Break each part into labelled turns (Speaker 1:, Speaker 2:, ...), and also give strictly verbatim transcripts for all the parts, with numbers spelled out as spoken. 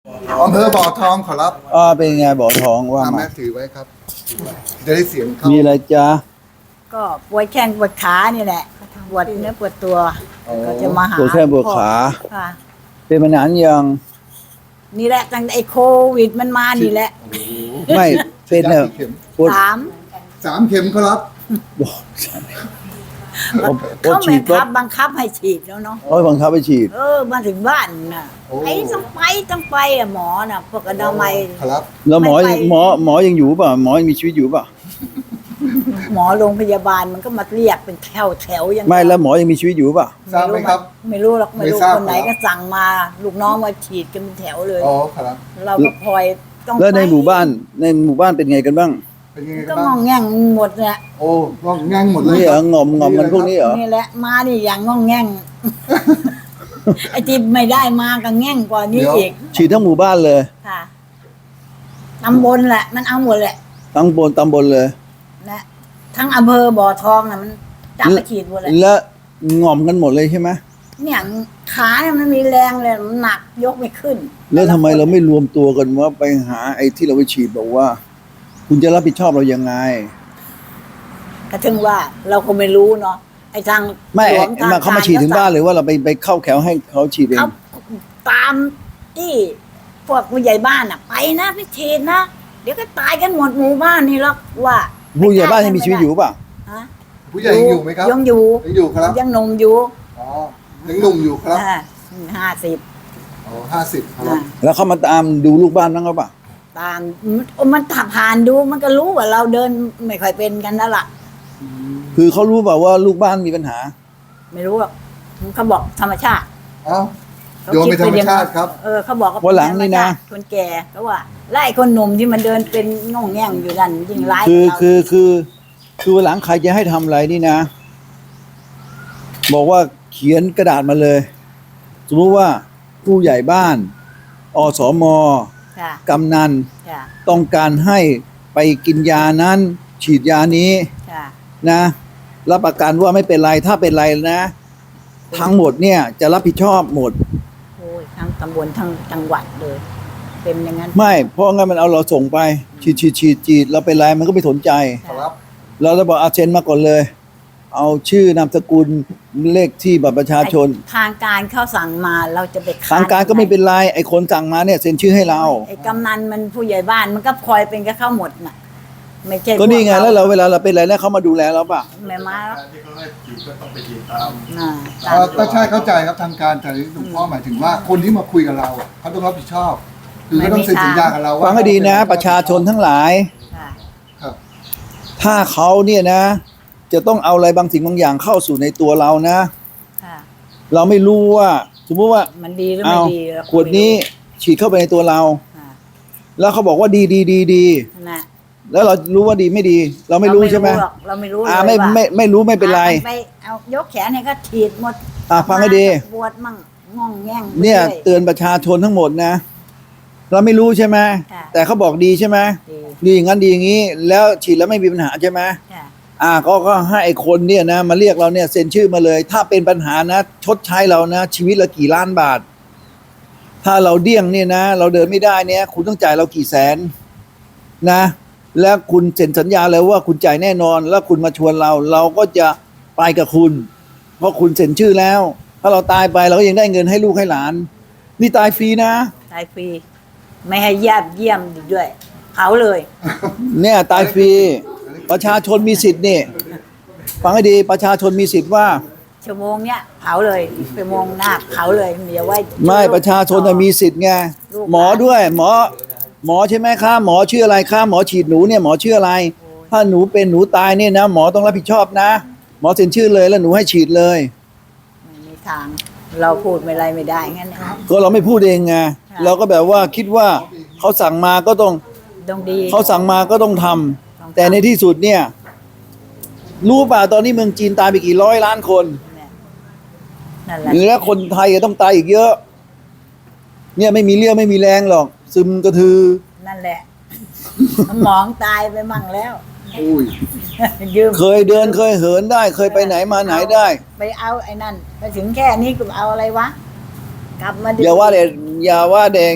Speaker 1: อำเภอบ่อทองขอรับ
Speaker 2: อ่าเป็นไงบ่อทองว่า
Speaker 1: ทำ
Speaker 2: มา
Speaker 1: แม่ถือไว้ครับจะได้เสียงเข้า
Speaker 2: มีอะไรจ๊ะ
Speaker 3: ก็ปวดแข้งปวดขานี่แหละปวดเนื้อปวดตัว
Speaker 1: อ๋อ
Speaker 3: ก็จะมาหา
Speaker 2: ปวดแข้งปวดขา
Speaker 3: ค่ะ
Speaker 2: เป็นมานานยัง
Speaker 3: นี่แหละตั้งแต่ไอ้โควิดมันมานี่แหละ
Speaker 2: ไม่เป็น
Speaker 1: ฉีด
Speaker 2: เน
Speaker 1: ยา
Speaker 2: อะ
Speaker 1: กี่เข็ม
Speaker 2: ปวด
Speaker 3: สาม
Speaker 1: สามเข็มขอรับ
Speaker 2: บ่ปวด
Speaker 3: เขา
Speaker 2: ฉี
Speaker 3: บั
Speaker 2: ด
Speaker 3: ง
Speaker 2: ก็
Speaker 3: คับบังคับให้ฉีดแล้วเนาะ
Speaker 2: เขาบังคับไปฉีด
Speaker 3: เออมาถึงบ้านน่ะ
Speaker 1: โอ้
Speaker 3: ไอ้ต้องไปต้องไปอะหมอน่ะพวกอนามัย
Speaker 1: ขอรับ
Speaker 2: แล้วหมอ
Speaker 3: ไม่ไป
Speaker 2: หมอหมอยังอยู่ป่ะหมอยังมีชีวิตอยู่ป่ะ
Speaker 3: หมอโรงพยาบาลมันก็มาเรียกเป็นแถวแถวๆอย่าง
Speaker 2: ไม่แล้วหมอยังมีชีวิตอยู่ป่ะ
Speaker 1: ทราบไหมครับ
Speaker 3: ไม่รู้หรอกไม่รู้
Speaker 1: ไม่ทราบ
Speaker 3: คนไหน
Speaker 1: ครั
Speaker 3: ก็
Speaker 1: บ
Speaker 3: สั่งมาลูกน้องมาฉีดกันเป็นแถวเลย
Speaker 1: อ๋อขอรับ
Speaker 3: เราก็พลอยต้อง
Speaker 2: แล้วใน
Speaker 3: ไป
Speaker 2: หมู่บ้านในหมู่บ้านเป็นไงกันบ้าง
Speaker 1: เป็นยังไง
Speaker 3: ก็
Speaker 1: กัน
Speaker 3: ง
Speaker 1: บ้า
Speaker 3: อง งแงงหมดเนี่ย
Speaker 1: โอ้งองแงงหมดเลย
Speaker 2: นี่เหรองอมงอมมันพวกนี้เหรอ
Speaker 3: นี่แหละมานี่อย่างงองแงง ไอ้ที่ไม่ได้มาก็แง่งกว่านี้อีก
Speaker 2: ฉีดทั้งหมู่บ้านเลย
Speaker 3: ค่ะตำบลแหละ มันเอาหมดแหละ
Speaker 2: ทั้งบนตำบลเลย
Speaker 3: นะทั้งอำเภอบ่อทองน่ะมันจับไปฉีดหมดเลย
Speaker 2: แล้วงอมกันหมดเลยใช่ไหม
Speaker 3: เนี่ยขาเนี่ยมันมีแรงเลยมันหนักยกไม่ขึ้น
Speaker 2: แล้วทำไมเราไม่รวมตัวกันว่าไปหาไอ้ที่เราไปฉีดบอกว่า คุณจะรับผิดชอบเรายังไง
Speaker 3: ก็ถึงว่าเราก็ไม่รู้เนาะไอ้ทาง
Speaker 2: ไม่
Speaker 3: หลวงทง
Speaker 2: มาเขามาฉีดถึงบ้านเลยว่าเราไปไปเข้าแถวให้เขาฉีดเอง
Speaker 3: เขาตามที่พวกผู้ใหญ่บ้านอ่ะ ไปนะไปฉีดนะเดี๋ยวก็ตายกันหมดหมู่บ้านนี่หรอกว่า
Speaker 2: ผู้ใหญ่บ้านยังมีชีวิตอยู่ป่ะ
Speaker 3: ฮะ
Speaker 1: ผู้ใหญ่ยังอยู่ไหมครับ
Speaker 3: ยังอยู่
Speaker 1: ยังอยู่ครับ
Speaker 3: ยังหนุ่มอยู่
Speaker 1: อ๋อยังหนุ่มอยู่ครับ
Speaker 3: ห้าสิบ
Speaker 1: อ๋อห้าสิบครับ
Speaker 2: แล้วเขามาตามดูลูกบ้านบ้างหรือเปล่า
Speaker 3: ตามมันถับผ่านดูมันก็รู้ว่าเราเดินไม่ค่อยเป็นกันแล้วล่ะ
Speaker 2: คือเขารู้เปล่าว่าลูกบ้านมีปัญหา
Speaker 3: ไม่รู้หรอกเขาบอกธรรมชาติ
Speaker 1: เอ้า
Speaker 3: เขา
Speaker 1: โยมเป็นธรรมชาติครับ
Speaker 3: เออเขาบอกว่า
Speaker 2: วันหลังนี่นะ
Speaker 3: คนแก่เขาว่าไล่คนหนุ่มที่มันเดินเป็นง่องแง่งอยู่นั่นยิ่งร้าย
Speaker 2: คือ
Speaker 3: เรา
Speaker 2: คือคือคือวันหลังใครจะให้ทำอะไรนี่นะ บอกว่าเขียนกระดาษมาเลย สมมติว่าผู้ใหญ่บ้านอสม
Speaker 3: ค่ะ
Speaker 2: กำนัน
Speaker 3: ค่ะ
Speaker 2: ต้องการให้ไปกินยานั้น ฉีดยานี้
Speaker 3: ค่ะ
Speaker 2: นะรับประกันว่าไม่เป็นไรถ้าเป็นไรนะ ทั้งหมดเนี่ยจะรับผิดชอบหมด
Speaker 3: โอ้ยทั้งตำบลทั้งจังหวัดเลย เป็นอย่างนั้น
Speaker 2: ไม่เพราะงั้นมันเอาเราส่งไป ฉีดฉีดฉีดฉีดเราเป็นไรมันก็ไม่สนใจ
Speaker 1: ขอรับ
Speaker 2: เราจะบอกเอาเซ็นมาก่อนเลย เอาชื่อนามสกุลเลขที่บัตรประชาชน
Speaker 3: ไอ้ทางการเขาสั่งมาเราจะไปค้น
Speaker 2: ทางการก็ไม่เป็นไรไอ้คนสั่งมาเนี่ยเซ็นชื่อให้เรา
Speaker 3: ไอ้กำนันมันผู้ใหญ่บ้านมันก็พลอยเป็นกับเขาหมดน่ะ ไม่ใช่
Speaker 2: ก็นี่ไง
Speaker 3: พ
Speaker 2: แล้วเราเวลาเราเป็นอะไรแล้วเขามาดูแลเราป่ะ
Speaker 3: ไม่มาแล้ว
Speaker 4: ที่เขาให้ฉีดก็ต้องไปฉีดตาม
Speaker 3: น่ะ
Speaker 1: เอ่อก็ใช่เข้าใจครับทางการแต่หลวงพ่อหมายถึงว่าคนที่มาคุยกับเราอะเขาต้องรับผิดชอบ คือเขาต้องเซ็นสัญญากับเราว่า
Speaker 2: ฟังให้ดีนะ ประชาชนทั้งหลาย
Speaker 3: ค่ะ
Speaker 1: ครับ
Speaker 2: ถ้าเขาเนี่ยนะ จะต้องเอาอะไรบางสิ่งบางอย่างเข้าสู่ในตัวเรานะ
Speaker 3: ค่ะ
Speaker 2: เราไม่รู้ว่า สมมติว่า
Speaker 3: มันดีหรือ
Speaker 2: เอา
Speaker 3: ไม่ดีเราก็
Speaker 2: ขวดนี้ฉีดเข้าไปในตัวเรา
Speaker 3: ค่ะ
Speaker 2: แล้วเขาบอกว่าดีดีดีดี
Speaker 3: น่ะ
Speaker 2: แล้วเรารู้ว่าดีไม่ดี เราไม่รู้ใช่ไหม
Speaker 3: หรอกเราไม่รู้
Speaker 2: อ่า
Speaker 3: เลย
Speaker 2: ไม่
Speaker 3: ว่า
Speaker 2: ไม่ไม่รู้ไม่เป็นไร
Speaker 3: อาไปเอายกแขนให้ก็ฉีดหมด
Speaker 2: อ่าฟังให้ดี
Speaker 3: ปวดมั่งง่องแง่ง
Speaker 2: เนี่ย
Speaker 3: รื่อ
Speaker 2: เตือนประชาชนทั้งหมดนะ เราไม่รู้ใช่ไหม
Speaker 3: ค่ะ
Speaker 2: แต่เขาบอกดีใช่ไหม
Speaker 3: ดี
Speaker 2: ดีอย่างนั้นดีอย่างนี้ แล้วฉีดแล้วไม่มีปัญหาใช่ไหม
Speaker 3: ค่ะ
Speaker 2: อ่าก็ก็ให้ไอ้คนเนี่ยนะมาเรียกเราเนี่ยเซ็นชื่อมาเลย ถ้าเป็นปัญหานะ ชดใช้เรานะ ชีวิตละกี่ล้านบาท ถ้าเราเดี้ยงเนี่ยนะ เราเดินไม่ได้เนี่ย คุณต้องจ่ายเรากี่แสนนะ แล้วคุณเซ็นสัญญาเลยว่าคุณจ่ายแน่นอน แล้วคุณมาชวนเรา เราก็จะไปกับคุณ เพราะคุณเซ็นชื่อแล้ว ถ้าเราตายไปเราก็ยังได้เงินให้ลูกให้หลาน นี่ตายฟรีนะ
Speaker 3: ตายฟรีไม่ให้ญาติเยี่ยมอีกด้วยเผาเลย
Speaker 2: เนี่ยตายฟรี ประชาชนมีสิทธิ์นี่ฟังให้ดีประชาชนมีสิทธิ์ว่า
Speaker 3: ชั่วโมงเนี้ยเผาเลยชั่วโมงหน้าเผาเลยเดี๋ยวไว้
Speaker 2: ไม่ประชาชนน่ะมีสิทธิ์ไง
Speaker 3: ลูก
Speaker 2: หมอด้วย หมอ หมอใช่ไหมคะหมอชื่ออะไรคะหมอฉีดหนูเนี่ยหมอชื่ออะไร ถ้าหนูเป็นหนูตายเนี่ยนะหมอต้องรับผิดชอบนะ หมอเซ็นชื่อเลยแล้วหนูให้ฉีดเลย
Speaker 3: ไม่มีทาง เราพูดไม่ไรไม่ได้งั้นนะ
Speaker 2: ก็เราไม่พูดเองไงเราก็แบบว่าคิดว่าเขาสั่งมาก็ต้อง
Speaker 3: ต้องดี
Speaker 2: เขาสั่งมาก็ต้องทำ
Speaker 3: ต้องทำ
Speaker 2: แต่ในที่สุดเนี่ย รู้ป่ะตอนนี้เมืองจีนตายไปกี่ร้อยล้านคน
Speaker 3: เนี่ยนั่นแหละ
Speaker 2: แล้วคนไทยก็ต้องตายอีกเยอะ เนี่ยไม่มีเรี่ยวไม่มีแรงหรอก ซึมกระทือ
Speaker 3: นั่นแหละสมองตายไปมั่งแล้ว
Speaker 1: อุ้ย
Speaker 3: ยืม
Speaker 2: เคยเดินเคยเหินได้ เคยไปไหนมาไหนได้
Speaker 3: ไปเอาไอ้นั่นไปถึงแค่นี้ก็เอาอะไรวะ กลับมา
Speaker 2: อย่าว่าเด็กอย่าว่าเด็ก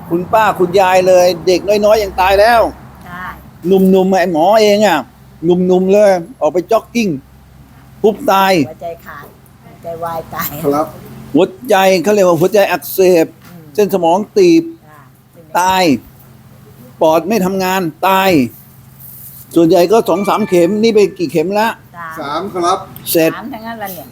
Speaker 2: คุณป้าคุณยายเลย เด็กน้อยๆยังตายแล้ว
Speaker 3: ใช่
Speaker 2: หนุ่มๆไอ้หมอเองอ่ะหนุ่มๆเลย ออกไปจ็อกกิ้งปุ๊บตาย
Speaker 3: หัวใจขาดหัวใจวายตาย
Speaker 1: ครับ
Speaker 2: หัวใจเขาเรียกว่าหัวใจอักเสบ เส้นสมองตีบ
Speaker 3: จ้ะเป็น
Speaker 2: ตาย ปอดไม่ทำงานตาย ส่วนใหญ่ก็สองสามเข็มนี่ไปกี่เข็มละ
Speaker 3: จ้ะ
Speaker 1: สามครับ
Speaker 2: เสร็จ
Speaker 3: สามทั้งนั้นละเนี่ย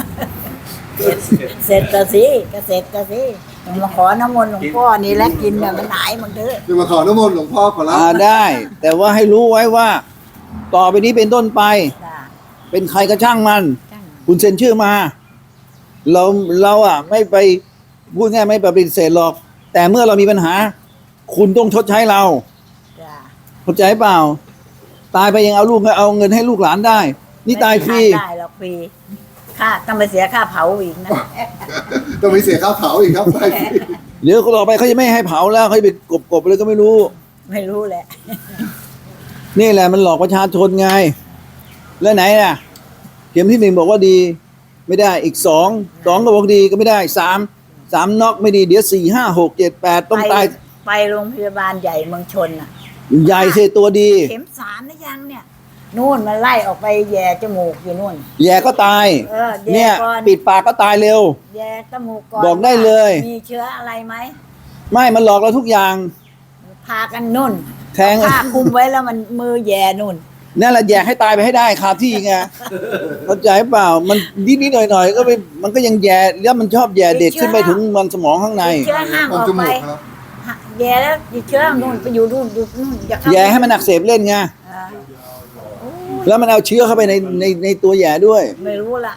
Speaker 3: เสร็จก็สิก็เสร็จก็สิมาขอน้ำมนต์หลวงพ่อนี่แหละกินเนี่ยมันหายมันเถอะ
Speaker 1: จะมาขอน้ำมนต์หลวงพ่อขอรับ
Speaker 2: อ่าได้ แต่ว่าให้รู้ไว้ว่า ต่อไปนี้เป็นต้นไป
Speaker 3: จ้ะ
Speaker 2: เป็นใครก็ช่างมัน
Speaker 3: จ้ะ
Speaker 2: คุณเซ็นชื่อมา เราเราอ่ะ ไม่ไปพูดง่ายไม่ปฏิเสธหรอก แต่เมื่อเรามีปัญหา คุณต้องชดใช้เรา
Speaker 3: จ้ะ
Speaker 2: เข้าใจเปล่า ตายไปยังเอาลูกเอาเงินให้ลูกหลานได้ นี่ตายฟรี
Speaker 3: ไม่ได้หรอกฟรีค่าต้องไปเสียค่าเผาอีกนะ
Speaker 1: ต้องมีเสียค่าเผาอีกครับ ได้สิ
Speaker 2: เดี๋ยวเขาต่อไปเขาจะไม่ให้เผาแล้วเขาจะไปกบกบเลยก็ไม่รู้
Speaker 3: ไม่รู้แหละ
Speaker 2: นี่แหละมันหลอกประชาชนไง แล้วไหนน่ะ เข็มที่หนึ่งบอกว่าดี ไม่ได้อีกสองสองก็บอกดีก็ไม่ได้สามสามน็อกไม่ดีเดี๋ยวสี่ห้าหกเจ็ดแปดต้องตาย
Speaker 3: ไปไปโรงพยาบาลใหญ่เมืองชนอ่ะ
Speaker 2: ใหญ่เสตัวดี
Speaker 3: เข็มสามนะยังเนี่ยนู่นมันไล่ออกไปแย่จมูกอยู่นู่น
Speaker 2: แย่ก็ตาย
Speaker 3: เออแย่
Speaker 2: เนี่ย
Speaker 3: ก่อน
Speaker 2: ปิดปากก็ตายเร็ว
Speaker 3: แย่จมูกก่อน
Speaker 2: บอกได้เลย
Speaker 3: มีเชื้ออะไรไหม
Speaker 2: ไม่มันหลอกเราทุกอย่าง
Speaker 3: พากันนุ่น
Speaker 2: แทง
Speaker 3: ผ้าคลุมไว้แล้วมันมือแย่นุ่น
Speaker 2: นั่นแหละแย่ให้ตายไปให้ได้คาที่ไงเข้าใจเปล่า มันนิดนิดหน่อยหน่อยๆก็ไปมันก็ยังแย่แล้วมันชอบแย่เด็กขึ้นไปถึงมันสมองข้างใน
Speaker 3: ติดเชื้อห้าม
Speaker 1: ม
Speaker 3: อ
Speaker 1: อง
Speaker 3: อก
Speaker 1: จ
Speaker 3: ไป
Speaker 1: มูกครับ
Speaker 3: แย่แล้วติดเชื้อนู่นไปอยู่นู่นอยู่นู่นอย่าเข้า
Speaker 2: แย่ให้มันอักเสบเล่นไง
Speaker 3: อ่าโอ้
Speaker 2: แล้วมันเอาเชื้อเข้าไปในในในตัวแย่ด้วย
Speaker 3: ไม่รู้ละ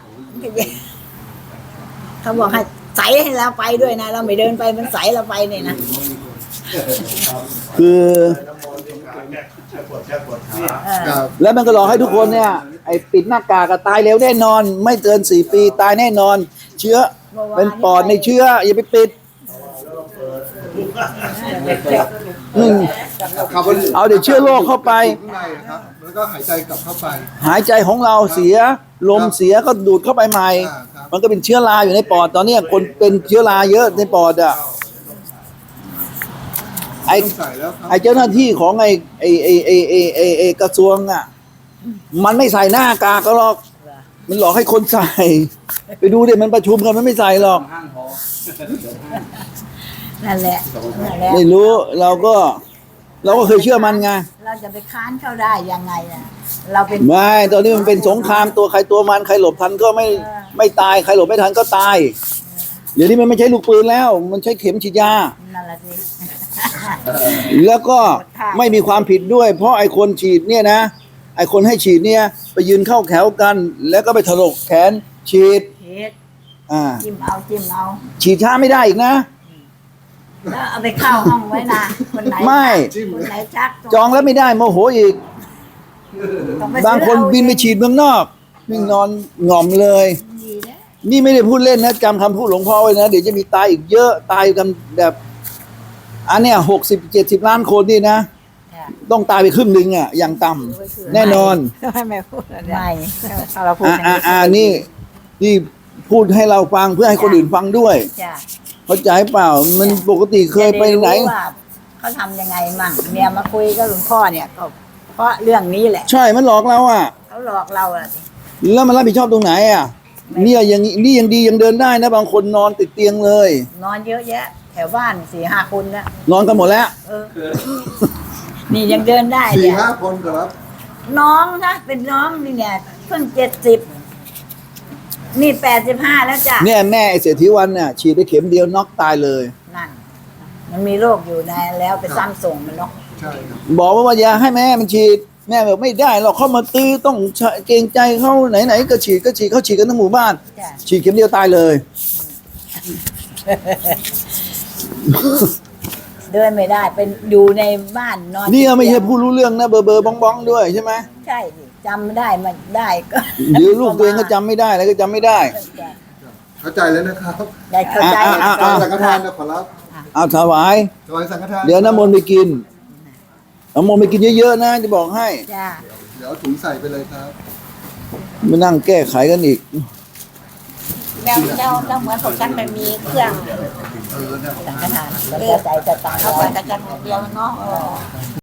Speaker 3: เขาบอกให้ใส่ให้เราไปด้วยนะ เราไม่เดินไปมันใส่เราไปเนี่ยนะ
Speaker 2: คือ
Speaker 4: น้ำมนต์ที่ขาแก้แก้ปวดแก้ปวดขา
Speaker 3: เออ
Speaker 1: ครับ
Speaker 2: แล้วมันก็หลอกให้ทุกคนเนี่ยไอ้ปิดหน้ากากอะตายเร็วแน่นอน ไม่เกินสี่ปีตายแน่นอน เชื้อเป็นปอดในเชื้ออย่าไปปิดอืม
Speaker 1: คาร์บอน
Speaker 2: เอาเดี๋ยวเชื้อโรคเข้าไป
Speaker 1: ข้างในอะครับ แล้วก็หายใจกลับเข้าไป
Speaker 2: หายใจของเราเสียลมเสียก็ดูดเข้าไปใหม่
Speaker 1: อ่าครับ
Speaker 2: มันก็เป็นเชื้อราอยู่ในปอดตอนเนี้ยคนเป็นเชื้อราเยอะในปอดอ่ะไอ้
Speaker 1: ต้องใส่แล้วครับ
Speaker 2: ไอ้เจ้าหน้าที่ของไอ้ไอ้ไอ้ไอ้ไอ้ไอ้ไอ้กระทรวงอ่ะ มันไม่ใส่หน้ากากก็หรอก มันหลอกให้คนใส่ ไปดูเดี๋ยวมันประชุมกันมันไม่ใส่หรอก
Speaker 3: นั่นแหละนั่นแหละ
Speaker 2: ไม่รู้เราก็ เราก็เคยเชื่อมันไง
Speaker 3: เราจะไปค้านเขาได้ยังไงอ่ะเราเป็น
Speaker 2: ไม่ตอนนี้มันเป็นสงครามตัวใครตัวมันใครหลบทันก็ไม่ไม่ตายใครหลบไม่ทันก็ตาย เดี๋ยวนี้มันไม่ใช่ลูกปืนแล้ว มันใช้เข็มฉีดยา
Speaker 3: นั่นแหละสิ
Speaker 2: แล้วก็ไม่มีความผิดด้วย เพราะไอ้คนฉีดเนี่ยนะ ไอ้คนให้ฉีดเนี่ย ไปยืนเข้าแถวกัน แล้วก็ไปถลกแขนฉีด
Speaker 3: เฮ็ด
Speaker 2: อ่า
Speaker 3: จิ้มเอาจิ้มเอา
Speaker 2: ฉีดช้าไม่ได้อีกนะ
Speaker 3: แล้วเอาไปเข้าห้องไว้นะคนไหน
Speaker 2: ไม่
Speaker 3: คนไหนชัก
Speaker 2: จองแล้วไม่ได้โมโหอีก
Speaker 3: ต้องไป
Speaker 2: บางคน
Speaker 3: ซื้อเอ
Speaker 2: บินไปฉีดเมืองนอกวิ่งนอนหง่อมเลย
Speaker 3: ดีนะ
Speaker 2: นี่ไม่ได้พูดเล่นนะจำคำพูดหลวงพ่อไว้นะเดี๋ยวจะมีตายอีกเยอะตายกันแบบอันเนี้ยหกสิบเจ็ดสิบล้านคนนี่นะ
Speaker 3: ค่ะ
Speaker 2: ต้องตายไปครึ่งหนึ่งอ่ะอย่างต่ำแน่นอน
Speaker 5: ให้แม่พูดอะไร
Speaker 3: ไม่
Speaker 5: ถ้าเราพูด
Speaker 2: อ่า
Speaker 5: อย่าง
Speaker 2: อ่า
Speaker 5: นี้
Speaker 2: อ่านี่นี่พูดให้เราฟังเพื่อให้คนอื่นฟังด้วย
Speaker 3: จ้ะ
Speaker 2: เข้าใจเปล่า มันปกติเคยไปไหน
Speaker 3: จะด้รู้ว่าเขาทำยังไงมั่งเนี่ยมาคุยกับหลวงพ่อเนี่ยก็เพราะเรื่องนี้แหละ
Speaker 2: ใช่มันหลอกเราอ่ะ
Speaker 3: เขาหลอกเราอะสิ
Speaker 2: แล้วมันรับผิดชอบตรงไหนอ่ะ เนี่ยยังนี่ยังดียังเดินได้นะ บางคนนอนติดเตียงเลย
Speaker 3: นอนเยอะแยะ แถวบ้านสี่ห้าคนนะ
Speaker 2: นอนกันหมดแล้ว
Speaker 3: เออ นี่ยังเดินได้
Speaker 1: สี่
Speaker 3: เนี่ย
Speaker 1: ห้าคนครับ
Speaker 3: น้องนะเป็นน้องนี่เนี่ยเพิ่งเจ็ดสิบนี่แปดสิบห้าแล้วจ้ะ
Speaker 2: เนี่ยแม่ไอ้เศรษฐีวันเนี่ยฉีดไปเข็มเดียวน็อกตายเลย
Speaker 3: นั่น มันมีโรคอยู่ในแล้วไปซ้ำส่งมันเนาะ
Speaker 1: ใช่ครับ
Speaker 2: บอกว่าว่าอย่าให้แม่มันฉีด แม่บอกไม่ได้เราเข้ามาตื้อต้องเกรงใจเขาไหนๆก็ฉีดก็ฉีดเขาฉีดกันทั้งหมู่บ้าน
Speaker 3: จ้ะ
Speaker 2: ฉีดเข็มเดียวตายเลย
Speaker 3: เดินไม่ได้เป็นอยู่ในบ้านนอน
Speaker 2: นี่ไม่ใช่ผู้รู้เรื่องนะเบอร์เบอร์บ้องบ้องด้วยใช่ไหม
Speaker 3: ใช่สิจำได้มันได้ก็
Speaker 2: เดี๋ยวลูกตัวเองก็จำไม่ได้แล้วก็จำไม่ได้
Speaker 1: เข้าใจแล้วนะครับ
Speaker 3: ได้เข้าใจ
Speaker 2: อ่ะอ่ะ
Speaker 1: ถ
Speaker 2: อ่ะ
Speaker 1: วายสังฆทานนะขอรับ
Speaker 2: เอาถวาย
Speaker 1: ถวายสังฆทาน
Speaker 2: เดี๋ยวน้ำมนต์ไปกินน้ำมนต์ไปกินเยอะๆนะจะบอกให้
Speaker 3: จ้า
Speaker 1: เดี๋ยวเอาถุงใส่ไปเลยครับ
Speaker 2: มานั่งแก้ไขกันอีก
Speaker 3: แล้วแล้วแล้วเหมือนพวกฉันไม่มีเครื่อง
Speaker 1: เออเนี่ย
Speaker 3: สังฆทานแล้วก็ใจจะตายเข้าไปแต่กันเดียวเนาะ